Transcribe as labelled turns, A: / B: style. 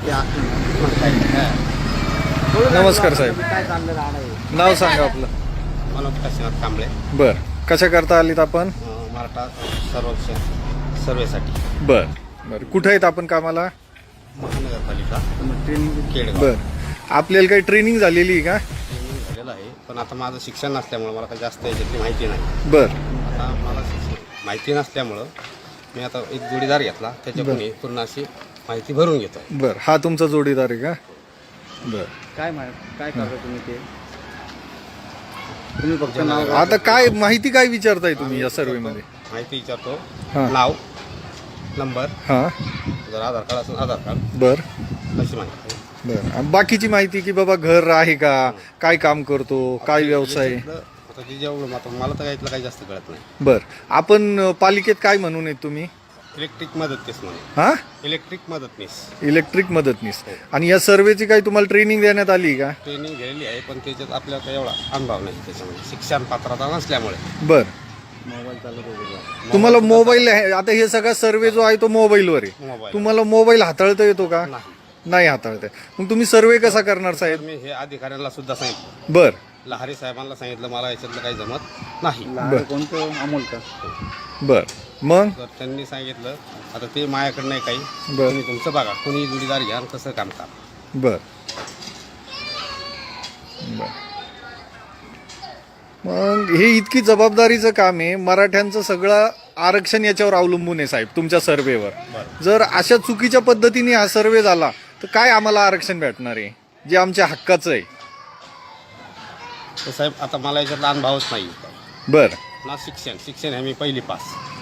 A: नमस्कार साहेब, नाव सांगा आपलं.
B: मनोज काशीनाथ कांबळे.
A: बर, कशा करता आलीत आपण?
B: मराठा सर्वेक्षण सर्वेसाठी.
A: बर बर, कुठे आहेत आपण कामाला?
B: महानगरपालिका केडगाव.
A: बर, आपल्याला काही ट्रेनिंग झालेली आहे का?
B: ट्रेनिंग झालेलं आहे, पण आता माझं शिक्षण नसल्यामुळं मला काही जास्त याच्यातली माहिती नाही.
A: बर,
B: आता मला माहिती नसल्यामुळं मी आता एक जोडीदार घेतला, त्याच्याकडून पूर्ण अशी माहिती भरून घेतो.
A: बर, हा तुमचा जोडीदार आहे का? बर,
C: काय करता तुम्ही ते? तुम्ही फक्त नाव
A: आता काय माहिती काय विचारताय तुम्ही या सर्वे मध्ये?
B: माहिती विचारतो,
A: हा.
B: नाव, नंबर,
A: हा.
B: जर आधार कार्ड असेल आधार कार्ड,
A: बर
B: अशी माहिती.
A: बर, आणि बाकीची माहिती की बाबा घर आहे का, काय काम करतो, काय व्यवसाय?
B: आता ते जेवढं आता मला तर यातलं काही जास्त कळत नाही.
A: बर, आपण पालिकेत काय म्हणून आहेत तुम्ही?
B: इलेक्ट्रिक मदतनीस म्हणून.
A: हा,
B: इलेक्ट्रिक मदतनीस.
A: इलेक्ट्रिक मदतनीस. आणि या सर्वेची काही तुम्हाला ट्रेनिंग देण्यात आली का?
B: ट्रेनिंग घेतलेली आहे, पण त्याच्यात आपल्याला काही एवढा अनुभव नाही त्याच्यामध्ये, शिक्षण पात्रता नसल्यामुळे.
A: बर,
C: मोबाईल चालू करू.
A: तुम्हाला मोबाईल आहे, आता हे सगळा सर्वे जो आहे तो मोबाईलवर आहे.
B: मोबाईल
A: तुम्हाला मोबाईल हाताळता येतो का?
B: नाही.
A: नाही हाताळता येत. मग तुम्ही सर्वे कसा करणार
B: तर
A: साहेब?
B: मी हे अधिकाऱ्यांना सुद्धा सांगितलं,
A: बर
B: लहारी साहेबांना सांगितलं, मला याच्यातलं काही जमत नाही.
C: लहान कोणतं अमोल का?
A: बर, मग
B: तर त्यांनी सांगितलं आता ते माझ्याकडे नाही काही,
A: बर.
B: तुम्ही तुमचं बघा, कोणी जोडीदार घ्या आणि कसं काम करा.
A: बर बर, मग हे इतकी जबाबदारीचं काम आहे. मराठ्यांचं सगळं आरक्षण याच्यावर अवलंबून आहे साहेब, तुमच्या सर्वेवर.
B: बरं.
A: जर अशा चुकीच्या पद्धतीने हा सर्वे झाला तर काय आम्हाला आरक्षण भेटणार आहे जे आमच्या हक्काचं आहे?
B: तर साहेब आता मला याच्यातला अनुभवच नाही.
A: बर
B: ना शिक्षण हे मी पहिली पास.